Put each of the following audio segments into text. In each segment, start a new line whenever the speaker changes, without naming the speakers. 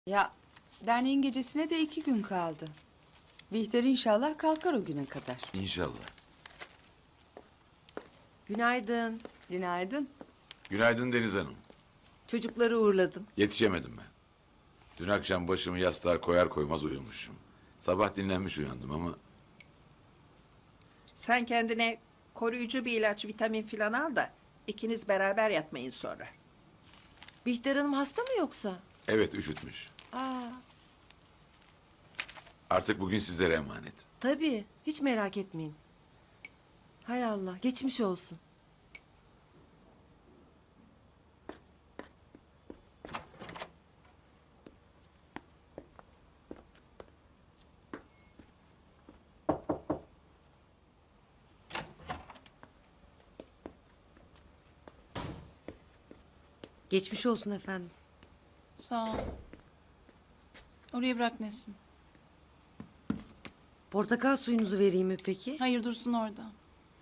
Ya derneğin gecesine de 2 gün kaldı. Bihter inşallah kalkar o güne kadar.
İnşallah.
Günaydın.
Günaydın.
Günaydın Deniz Hanım.
Çocukları uğurladım.
Yetişemedim ben. Dün akşam başımı yastığa koyar koymaz uyumuşum. Sabah dinlenmiş uyandım ama
Sen kendine koruyucu bir ilaç, vitamin filan al da ikiniz beraber yatmayın sonra.
Bihter Hanım hasta mı yoksa?
evet üşütmüş.
Aa,
Artık bugün sizlere emanet.
tabii. Hiç merak etmeyin. Hay Allah, geçmiş olsun. Geçmiş olsun efendim.
Sağ ol. Oraya bırak Nesrin.
Portakal suyunuzu vereyim mi peki?
Hayır, dursun orada.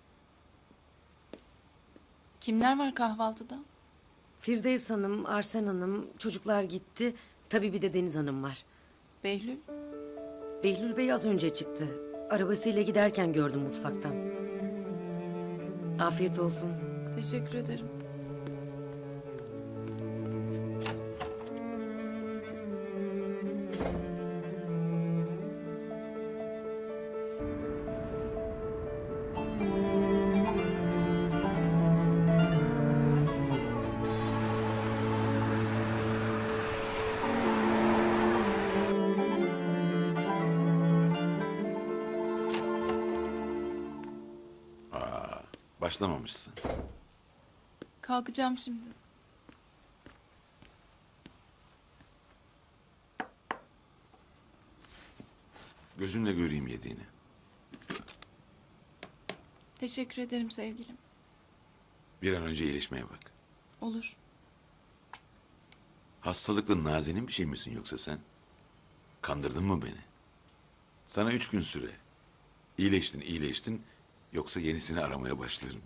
Kimler var kahvaltıda?
Firdevs Hanım, Arsen Hanım, çocuklar gitti. Tabii bir de Deniz Hanım var.
Behlül.
Behlül Bey az önce çıktı. Arabasıyla giderken gördüm mutfaktan. Afiyet olsun.
Teşekkür ederim.
Başlamamışsın.
Kalkacağım şimdi.
Gözümle göreyim yediğini.
Teşekkür ederim sevgilim.
Bir an önce iyileşmeye bak.
Olur.
Hastalıklı nazenin bir şey misin yoksa sen? Kandırdın mı beni? Sana 3 gün süre. İyileştin. Yoksa yenisini aramaya başlarım.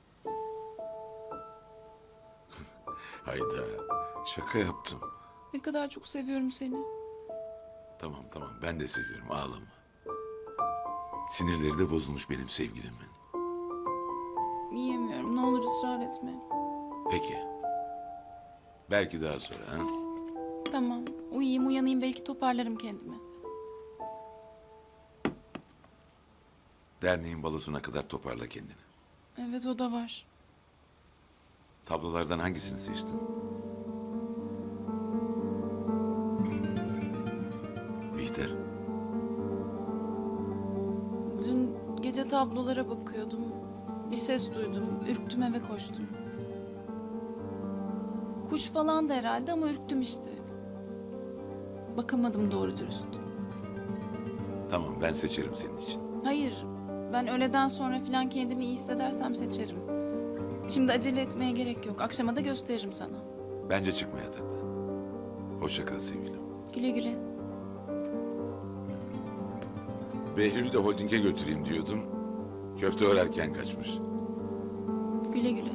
Hayda. Şaka yaptım.
Ne kadar çok seviyorum seni.
Tamam ben de seviyorum ağlama. Sinirleri de bozulmuş benim sevgilimin.
Yiyemiyorum. Ne olur ısrar etme.
Peki. Belki daha sonra ha?
Tamam. Uyuyayım uyanayım belki toparlarım kendimi.
Derneğin balosuna kadar toparla kendini.
Evet o da var.
Tablolardan hangisini seçtin? Bihter.
Dün gece tablolara bakıyordum. Bir ses duydum. Ürktüm eve koştum. Kuş falan da herhalde ama ürktüm işte. Bakamadım doğru dürüst.
Tamam ben seçerim senin için.
Hayır. Ben öğleden sonra falan kendimi iyi hissedersem seçerim. Şimdi acele etmeye gerek yok. Akşama da gösteririm sana.
Bence çıkma yataktan. Hoşça kal sevgilim.
Güle güle.
Behlül'ü de holdinge götüreyim diyordum. Köfte örerken kaçmış.
Güle güle.